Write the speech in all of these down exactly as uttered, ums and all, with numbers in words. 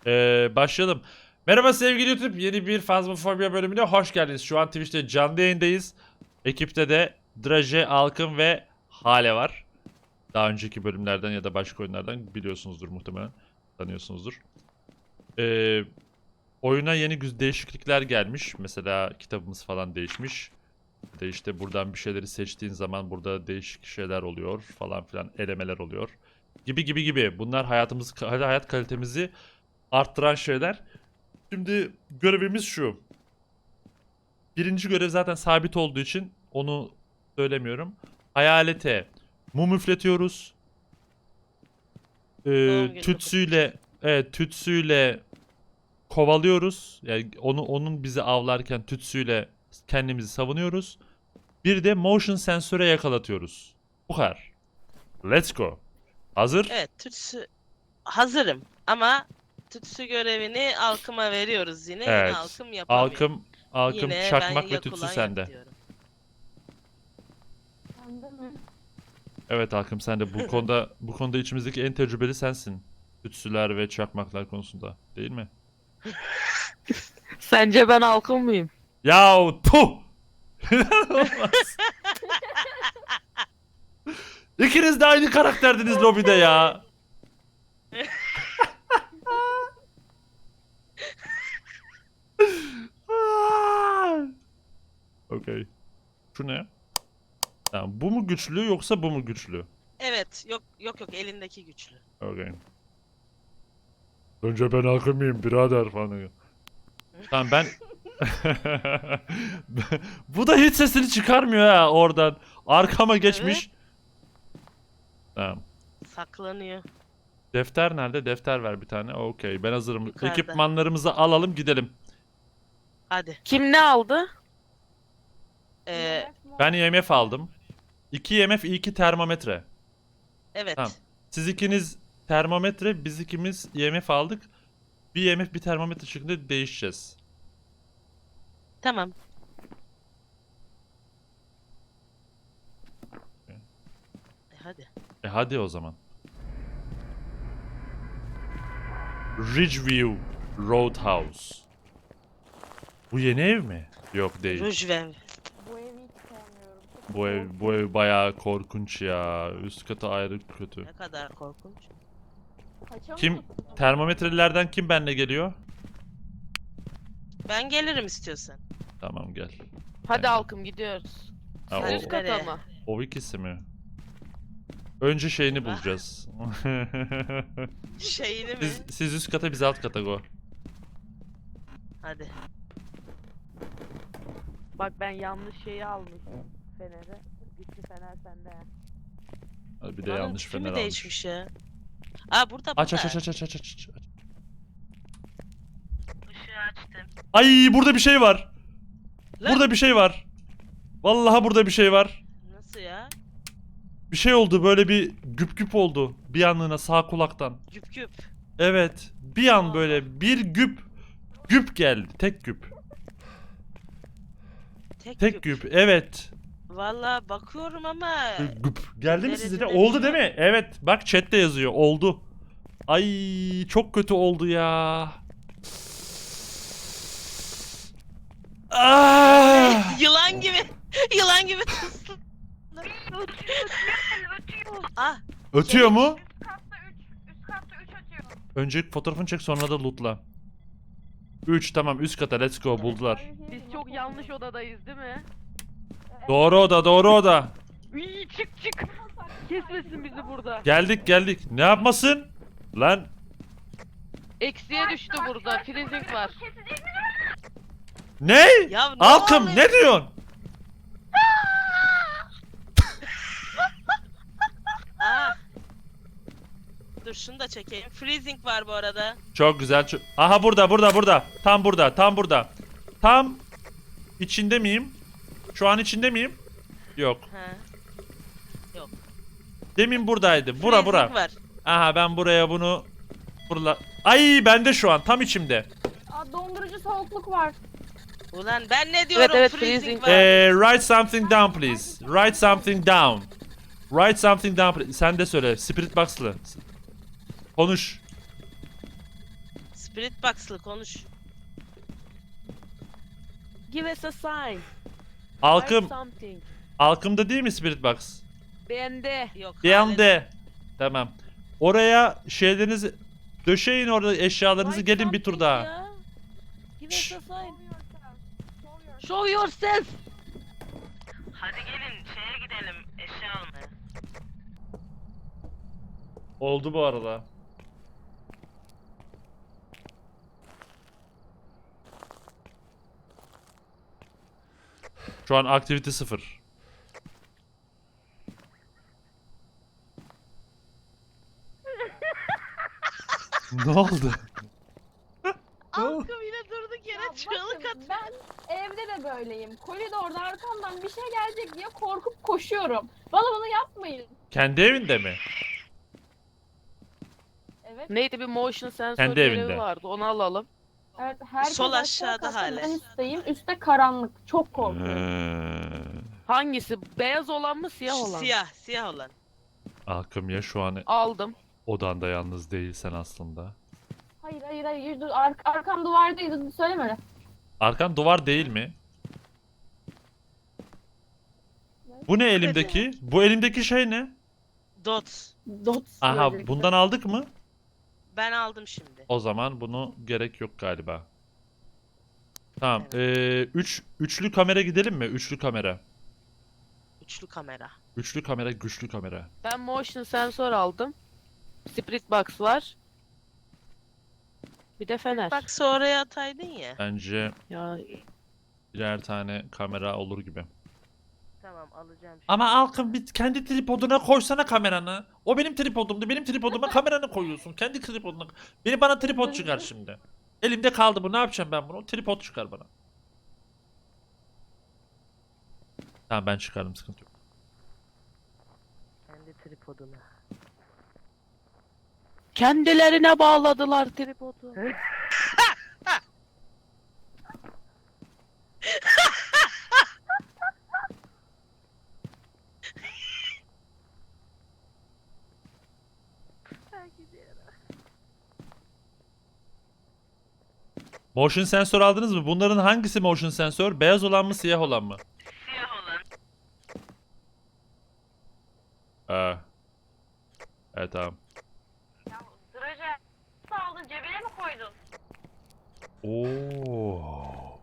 Ee, başlayalım. Merhaba sevgili YouTube. Yeni bir Phasmophobia bölümüne hoş geldiniz. Şu an Twitch'te canlı yayındayız. Ekipte de Draje, Alkın ve Hale var. Daha önceki bölümlerden ya da başka oyunlardan biliyorsunuzdur muhtemelen. Tanıyorsunuzdur. Ee, oyuna yeni güz değişiklikler gelmiş. Mesela kitabımız falan değişmiş. De işte buradan bir şeyleri seçtiğin zaman burada değişik şeyler oluyor falan filan, elemeler oluyor. Gibi gibi gibi. Bunlar hayatımız hayat kalitemizi arttıran şeyler. Şimdi görevimiz şu. Birinci görev zaten sabit olduğu için onu söylemiyorum. Hayalete mum üfletiyoruz. Ee, Doğum günü tütsüyle evet, tütsüyle kovalıyoruz. Yani onu onun bizi avlarken tütsüyle kendimizi savunuyoruz. Bir de motion sensöre yakalatıyoruz. Bu kadar. Let's go. Hazır? Evet, tütsü hazırım ama tütsü görevini Alkım'a veriyoruz yine. Yine Evet. Alkım yapamıyor. Alkım, alkım, Yine çakmak ben ve yak tütsü ulan sende. yak diyorum. Sende mi? Evet Hakim, sen de bu konuda bu konuda içimizdeki en tecrübeli sensin. Tütsüler ve çakmaklar konusunda, değil mi? Sence ben halkım mıyım? Yahu puh! İnanılmaz. İkiniz de aynı karakterdiniz lobide ya. Okey. Şu ne? Tamam, bu mu güçlü yoksa bu mu güçlü? Evet, yok yok yok elindeki güçlü. Okey. Önce ben hakimiyim birader falan. Tamam ben... Bu da hiç sesini çıkarmıyor ha oradan. Arkama geçmiş. Tamam. Saklanıyor. Defter nerede? Defter ver bir tane. Okey, ben hazırım. Yukarıda. Ekipmanlarımızı alalım gidelim. Hadi. Kim ne aldı? Ee, Ben I M F aldım. iki I M F, iki termometre. evet. Tamam. Siz ikiniz termometre, biz ikimiz I M F aldık. Bir I M F bir termometre şeklinde değişeceğiz. Tamam. E, hadi. E hadi o zaman. Ridgeview Roadhouse. Bu yeni ev mi? Yok değil. Ruj ver. Bu evi hiç sevmiyorum. Çok Bu ev, bu ev bayağı korkunç ya. Üst katı ayrı kötü. Ne kadar korkunç. Kaçamıyor Kim? musun? Termometrelerden kim benimle geliyor? Ben gelirim istiyorsan. Tamam gel. Hadi Ben- halkım gidiyoruz. Ha, Siz o, üst kata Nereye? mı? o ikisi mi? Önce şeyini Eyvah. bulacağız. Şeyini mi? siz, siz üst kata, biz alt kata go. Hadi. Bak ben yanlış şeyi almışım. Feneri. Gitti fener sende. Hadi bir de Buranın yanlış tipi mi fener almış. değişmiş ya? Aa burada Aç burada. aç aç aç aç aç aç. Işığı açtım. Ay burada bir şey var. Lan, Burada bir şey var. Vallahi burada bir şey var. nasıl ya? Bir şey oldu, böyle bir güp güp oldu bir anlığına sağ kulaktan. Güp güp. Evet, bir an Allah. böyle bir güp güp geldi, tek güp. Tek, Tek güp. güp, evet. Valla bakıyorum ama Böyle güp. Geldi mi size de? Derecede Oldu bir değil şey mi? Evet, bak chatte yazıyor, oldu. Ay çok kötü oldu ya. Ah! yılan gibi. Yılan gibi tıslım. Ah, Ötüyor mu? Üst katta üç, üst katta üç atıyor. Önce fotoğrafını çek, sonra da lootla. üç, tamam, üst kata, let's go, buldular. Biz çok yanlış odadayız değil mi? Doğru oda, doğru oda. İyi çık çık. Kesmesin bizi burada. Geldik geldik. Ne yapmasın? Lan Eksiye düştü burada. Freezing var. Kesecek mi? ne? ya ne Alkım oluyor? ne diyorsun? Ah. Dur şunu da çekeyim. Freezing var bu arada. Çok güzel. Çok... Aha burada burada burada. Tam burada tam burada. Tam içinde miyim? Şu an içinde miyim? Yok. Ha. Demin buradaydı. Bura Freezing bura. var. Aha ben buraya bunu fırla... Ay bende şu an tam içimde. Aa, dondurucu soğukluk var. Ulan ben ne diyorum? evet, freezing, freezing. var. Ee, write something down please. Write something down. Write something down please. Sen de söyle. Spirit Box'lı. Konuş. Spirit Box'lı konuş. Give us a sign. Halkım, Write something. halkımda değil mi Spirit Box? Bende. Yok. Bir hala- anda. Tamam. Oraya şeylerinizi döşeyin, orada eşyalarınızı, Write gelin bir tur something daha. ya. Give us Şşş. a sign. Show yourself. Hadi gelin şeye gidelim eşya almaya. Oldu bu arada. Şu an aktivite sıfır. Ne oldu? Halkım yine durduk Ya yere çığlık bakın, atıyor. ben evde de böyleyim. Koridorda arkamdan bir şey gelecek diye korkup koşuyorum. Bana bunu yapmayın. Kendi evinde mi? Evet. Neydi, bir motion sensör Kendi görevi evinde. vardı. Onu alalım. Evet. Herkes Sol aşağı aşağıda katta, hala. ben üstteyim. Üstte karanlık. Çok korkuyorum. Ee, Hangisi? Beyaz olan mı, siyah Şu olan? Siyah, siyah olan. Halkım ya, şu an Aldım. odanda yalnız değilsen aslında. Hayır hayır hayır. Dur, ar arkam duvardaydı. Söyleme öyle. Arkan duvar değil mi? Bu ne elimdeki? Bu elimdeki şey ne? Dot. Dot. Aha, gözlükle. bundan aldık mı? Ben aldım şimdi. O zaman bunu gerek yok galiba. Tamam. Evet. Ee, üç, üçlü kamera gidelim mi? Üçlü kamera. Üçlü kamera. Üçlü kamera, güçlü kamera. Ben motion sensör aldım. Spirit box var. Bir de fener. Bak oraya ataydın ya. Bence Ya birer tane kamera olur gibi. Tamam alacağım şimdi. Ama Alkın, bir kendi tripoduna koysana kameranı. O benim tripodumdu. Benim tripoduma kameranı koyuyorsun. Kendi tripoduna. Beni bana tripod çıkar şimdi. Elimde kaldı bu. Ne yapacağım ben bunu? Tripod çıkar bana. Tamam, ben çıkardım, sıkıntı yok. Kendi tripoduna. kendilerine bağladılar tripodu. Motion sensör aldınız mı? Bunların hangisi motion sensör? Beyaz olan mı, siyah olan mı? Siyah olan. Ee. Evet, tamam. Ya Draje nasıl aldın, cebine mi koydun? Oo.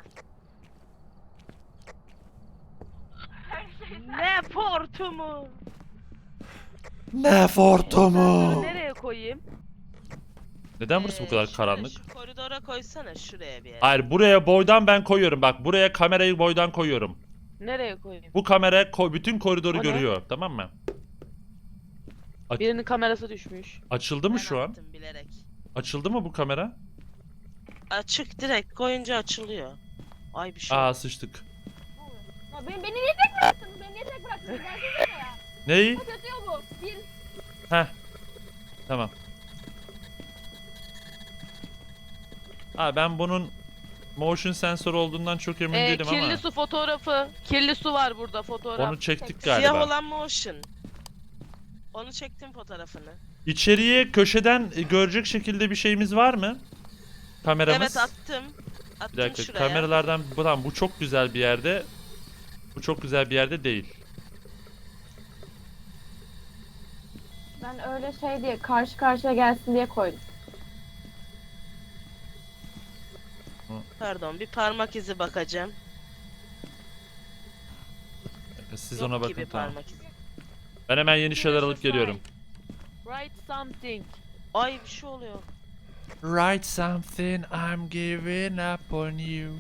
Her şey Ne portumu? Ne fortumu? Nereye koyayım? Neden burası bu kadar Ee, şöyle karanlık? Şu koridora koysana şuraya bir yere. Hayır, buraya boydan ben koyuyorum. Bak, buraya kamerayı boydan koyuyorum. Nereye koyayım? Bu kamera ko- bütün koridoru O ne? görüyor, tamam mı? Aç- Birinin kamerası düşmüş. Açıldı mı Ben şu an? attım bilerek. Açıldı mı bu kamera? Açık direkt koyunca açılıyor. Ay bir şey. Aa, sıçtık. Ya beni, beni niye tek bıraktın? Beni niye tek bıraktın? Gelsene ya. Neyi? Kaç atıyor bu? Bir. Heh. Tamam. Aa, ben bunun motion sensör olduğundan çok emin Ee, değilim kirli ama su fotoğrafı. Kirli su var burada, fotoğraf. onu çektik Siyah galiba. olan motion. Onu çektim fotoğrafını. İçeriye köşeden e, görecek şekilde bir şeyimiz var mı? Kameramız. Evet attım. Attım Bir dakika, şuraya. kameralardan bu, tamam, bu çok güzel bir yerde. Bu çok güzel bir yerde değil. Ben öyle şey diye karşı karşıya gelsin diye koydum. Pardon bir parmak izi bakacağım. Siz Yok ona bakın, gibi tamam. parmak izi. Ben hemen yeni şeyler alıp geliyorum. Write something. Ay bir şey oluyor. Write something, I'm giving up on you.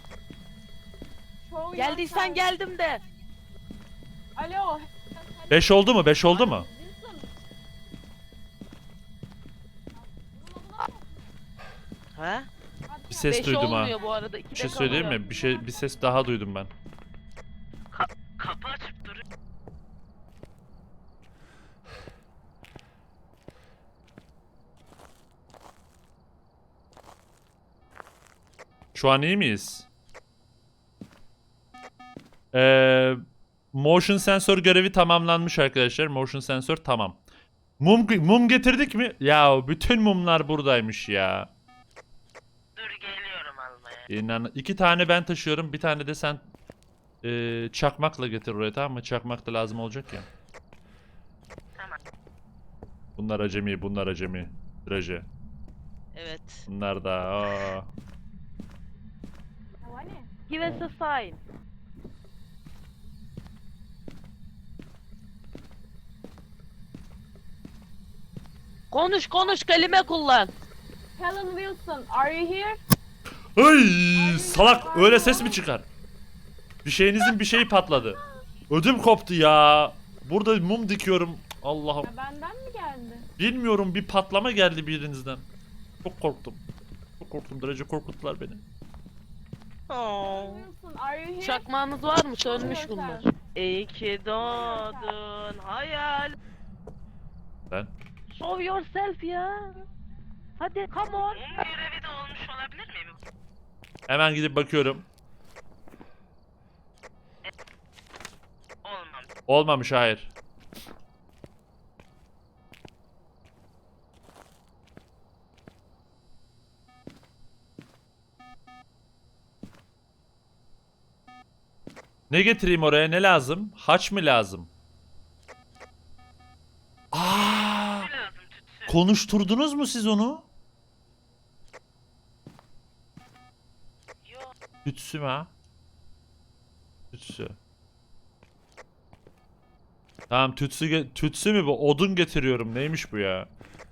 Show Geldiysen yourself. geldim de. Alo. beş oldu mu? beş oldu mu? Wilson, Ha? Bir ses Beş duydum ha. olmuyor bu arada. Bir şey söyleyeyim mi? Bir şey, bir ses daha duydum ben. Kapı açıp duruyor. Şu an iyi miyiz? Ee, motion sensör görevi tamamlanmış arkadaşlar. Motion sensör tamam. Mum mum getirdik mi? Ya bütün mumlar buradaymış ya. İnan iki tane ben taşıyorum. Bir tane de sen e, çakmakla getir oraya, tamam mı? Çakmak da lazım olacak ya. Tamam. Bunlar acemi, bunlar acemi. Draje. Evet. Bunlar da. Aa. Ya hani? Give us a sign. Konuş konuş, kelime kullan. Helen Wilson, are you here? Ay salak, öyle ses mi çıkar? Bir şeyinizin bir şeyi patladı. Ödüm koptu ya. Burada mum dikiyorum. Allah'ım. Ya benden mi geldi? Bilmiyorum, bir patlama geldi birinizden. Çok korktum. Çok korktum. Derece korkuttular beni. Oh. Helen Wilson, are you here? Çakmağınız var mı? Show Sönmüş yourself. bunlar. İyi ki doğdun hayal. Ben. Show yourself ya. Hadi come on. Görevi de olmuş olabilir mi? Hemen gidip bakıyorum. Olmam. Olmamış, hayır. Ne getireyim oraya? Ne lazım? Haç mı lazım? Aa! Lazım tütsü. Konuşturdunuz mu siz onu? Yok. Tütsü mü ha? Tütsü. Tamam, tütsü ge- tütsü mü bu? Odun getiriyorum. Neymiş bu ya?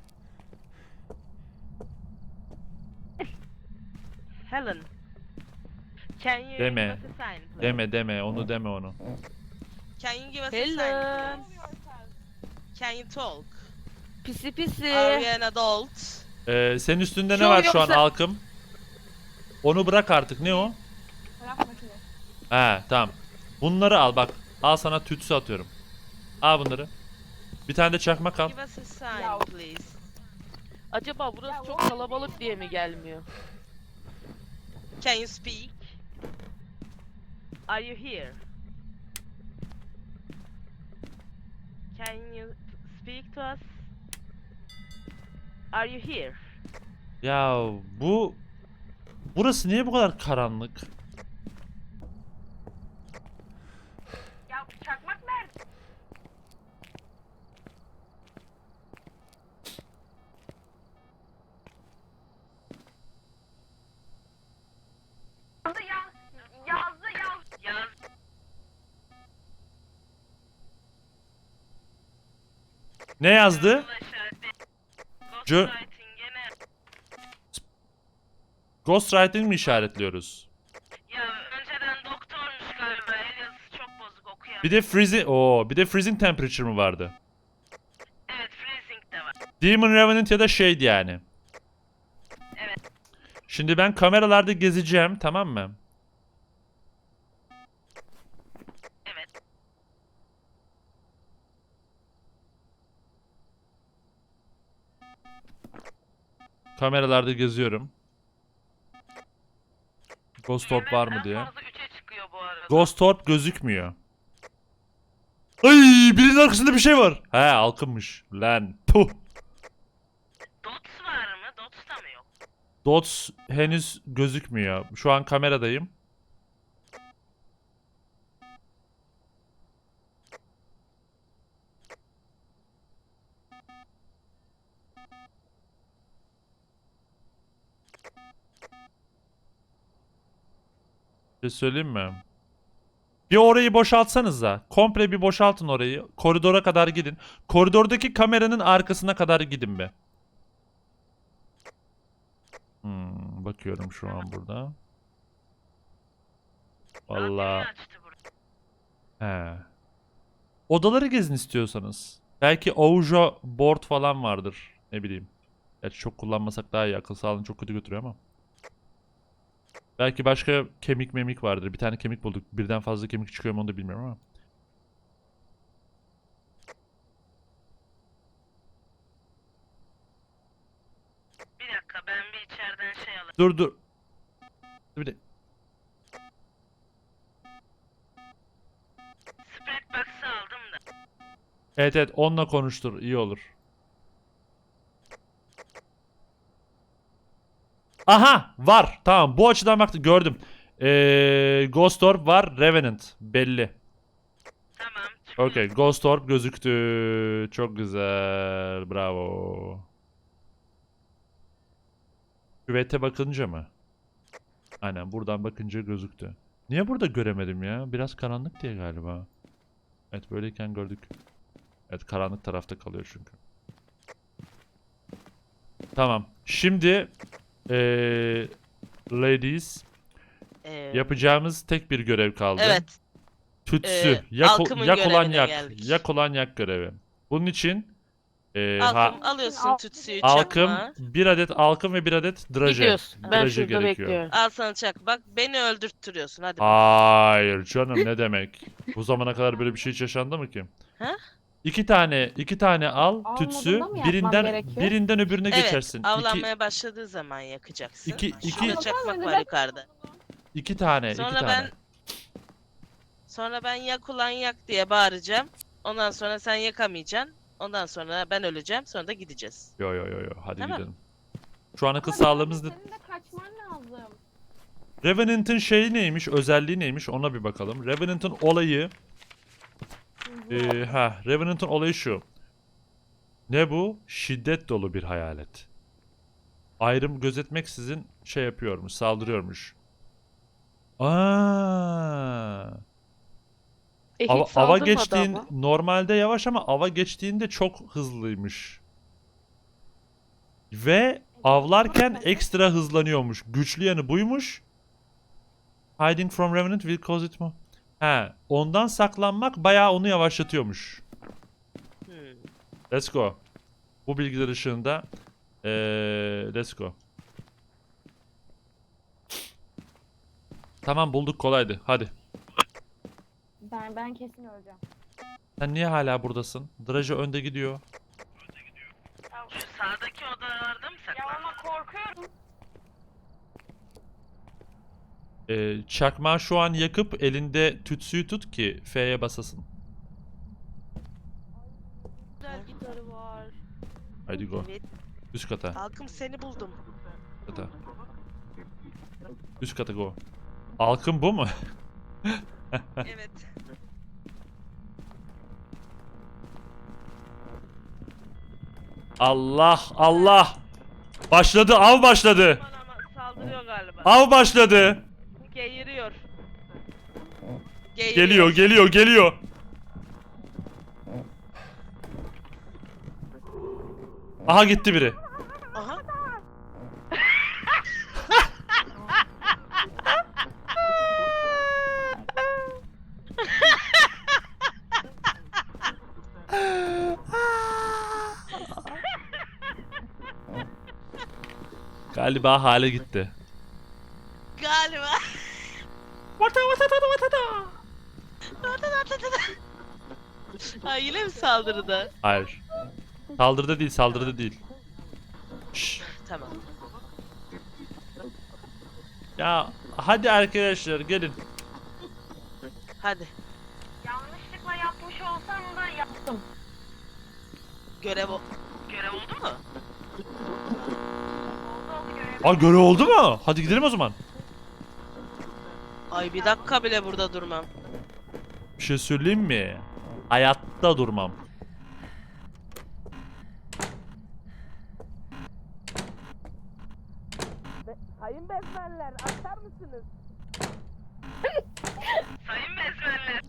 Helen. Can you Deme. give us a sign, please? Deme deme onu, deme onu. Can you give us a Helen. sign, please? Can you talk? Pisi pisi. Are you an adult? Ee, senin üstünde ne Şu var şu an yoksa- halkım? Onu bırak artık. Ne o? Fotoğraf makinesi. He tamam. Bunları al bak. Al, sana tütsü atıyorum. Al bunları. Bir tane de çakmak al. Give us a sign, Ya. please. Acaba burası çok kalabalık diye mi gelmiyor? Can you speak? Are you here? Can you speak to us? Are you here? Ya bu... Burası niye bu kadar karanlık? Ya çakmak nerede? Yazdı ya. Yazdı yaz. Yaz. Ne yazdı? Ulaşar. Cö- Ghostwriting gene. Ghostwriting mi işaretliyoruz? Ya önceden doktormuş galiba. El yazısı çok bozuk okuyan. Bir de freezing... Oo, bir de freezing temperature mı vardı? Evet, freezing de var. Demon Revenant ya da Shade yani. Evet. Şimdi ben kameralarda gezeceğim, tamam mı? Evet. Kameralarda geziyorum. Ghost Orb var mı En diye. fazla üçe çıkıyor bu arada. Ghost Orb gözükmüyor. Ay, birinin arkasında bir şey var. He, halkınmış. Lan puh. Dots var mı? Dots da mı yok? Dots henüz gözükmüyor. Şu an kameradayım. Bir şey söyleyeyim mi? Bir orayı boşaltsanız da. Komple bir boşaltın orayı. Koridora kadar gidin. Koridordaki kameranın arkasına kadar gidin be. Hmm, bakıyorum şu an burada. Vallahi. Radyoyu açtı burayı. He. Odaları gezin istiyorsanız. Belki Ouija board falan vardır. Ne bileyim. Gerçi çok kullanmasak daha iyi. Akıl sağlığını çok kötü götürüyor ama. Belki başka kemik memik vardır. Bir tane kemik bulduk. Birden fazla kemik çıkıyor mu onu da bilmiyorum ama. Bir dakika, ben bir içeriden şey alayım. Dur dur. Bir de. Spread box'ı aldım da. Evet evet, onunla konuştur. İyi olur. Aha var. Tamam bu açıdan baktım gördüm. Ee, Ghost Orb var. Revenant belli. Tamam. Okey. Ghost Orb gözüktü. Çok güzel. Bravo. Küvete bakınca mı? Aynen buradan bakınca gözüktü. Niye burada göremedim ya? Biraz karanlık diye galiba. Evet böyleyken gördük. Evet karanlık tarafta kalıyor çünkü. Tamam. Şimdi eee ladies Ee, yapacağımız tek bir görev kaldı. Evet. Tütsü. Ee, yak, Alkım'ın yak olan görevine yak. geldik. Yak olan yak görevi. Bunun için eee ha, Alkım alıyorsun Al- tütsüyü, alkım, çakma. bir adet alkım ve bir adet draje. Gidiyoruz. Ben Draje şurada gerekiyor. bekliyorum. Al sana çak. Bak beni öldürttürüyorsun. Hadi. bak. Hayır canım ne demek? Bu zamana kadar böyle bir şey hiç yaşandı mı ki? Ha? İki tane, iki tane al Al tütsü, modunda mı yapmam birinden gerekiyor? birinden öbürüne Evet. geçersin. İki, Avlanmaya başladığı zaman yakacaksın. İki- iki- Şurada çakmak Ama var ben- yukarıda. iki tane, iki Sonra tane. ben sonra ben yak ulan yak diye bağıracağım. Ondan sonra sen yakamayacaksın. Ondan sonra ben öleceğim. Sonra da gideceğiz. Yo yo yo yo hadi Tamam. gidelim. Şu an akıl Ama sağlığımız da... Senin de kaçman lazım. Revenant'ın şeyi neymiş, özelliği neymiş ona bir bakalım. Revenant'ın olayı... Ee, ha, Revenant'ın olayı şu. Ne bu? Şiddet dolu bir hayalet. Ayrım gözetmeksizin şey yapıyormuş, saldırıyormuş. Aa. E, hiç Ava, ava saldırmadı geçtiğin ama. normalde yavaş ama ava geçtiğinde çok hızlıymış. Ve avlarken ekstra hızlanıyormuş. Güçlü yanı buymuş. Hiding from Revenant will cause it more. He, ondan saklanmak bayağı onu yavaşlatıyormuş. Hmm. Let's go. Bu bilgiler ışığında ee, let's go. Tamam bulduk kolaydı. Hadi. Ben ben kesin öleceğim. Sen niye hala buradasın? Draje önde gidiyor. Şu sağdaki odalarda mı Ya saklandın? ama korkuyorum. Ee, çakmağı şu an yakıp elinde tütsüyü tut ki F'ye basasın. Güzel gitarı var. Haydi go. Evet. Üst kata. Halkım seni buldum. Kata. Üst kata go. Alkın bu mu? Evet. Allah Allah. Başladı av başladı. Aman aman saldırıyor galiba. Av başladı. Geğiriyor. Geğiriyor. Geliyor geliyor geliyor. Aha gitti biri. Aha. Galiba hale gitti. Galiba. Ha yine mi saldırıda? Hayır. Saldırıda değil saldırıda değil. Şşş. Tamam. Ya hadi arkadaşlar gelin. Hadi. Yanlışlıkla yapmış olsam da yaptım. Görev o. Görev oldu mu? Oldu oldu görev. Aa görev oldu mu? Hadi gidelim o zaman. Ay bir dakika bile burada durmam. Bir şey söyleyeyim mi? Hayatta durmam. Sayın bezmenler açar mısınız? Sayın bezmenler.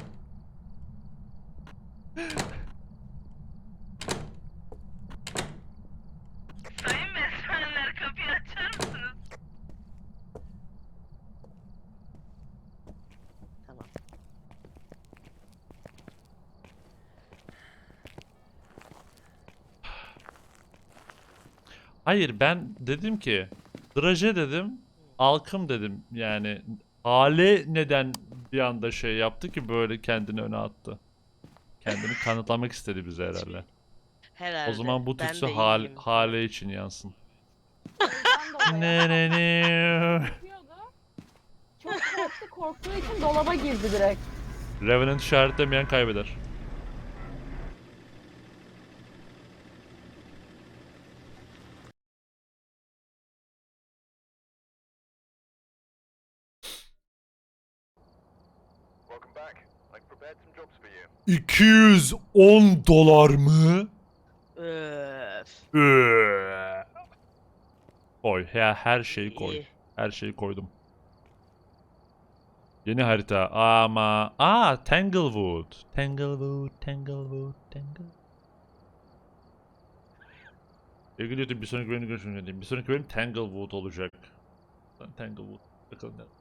Sayın bezmenler kapıyı açar mısınız? Tamam. Hayır ben dedim ki draje dedim alkım dedim yani hale neden bir anda şey yaptı ki böyle kendini öne attı. Kendini kanıtlamak istedi bize herhalde. Herhalde. O zaman bu Ben tütsü de hal, iyiyim. hale için yansın. Ben de Ne oraya ne ne. bakıyordu. Çok korktu, korktuğu için dolaba girdi direkt. Revenant işaretlemeyen kaybeder. iki yüz on dolar mı? Öf. Öf. Koy ya, her şeyi koy. İyi. Her şeyi koydum. Yeni harita ama aa Tanglewood. Tanglewood, Tanglewood, Tanglewood. Sevgili YouTube, bir sonraki bölümde görüşmek üzere. Bir sonraki bölüm Tanglewood olacak. Tanglewood. Bakalım ne.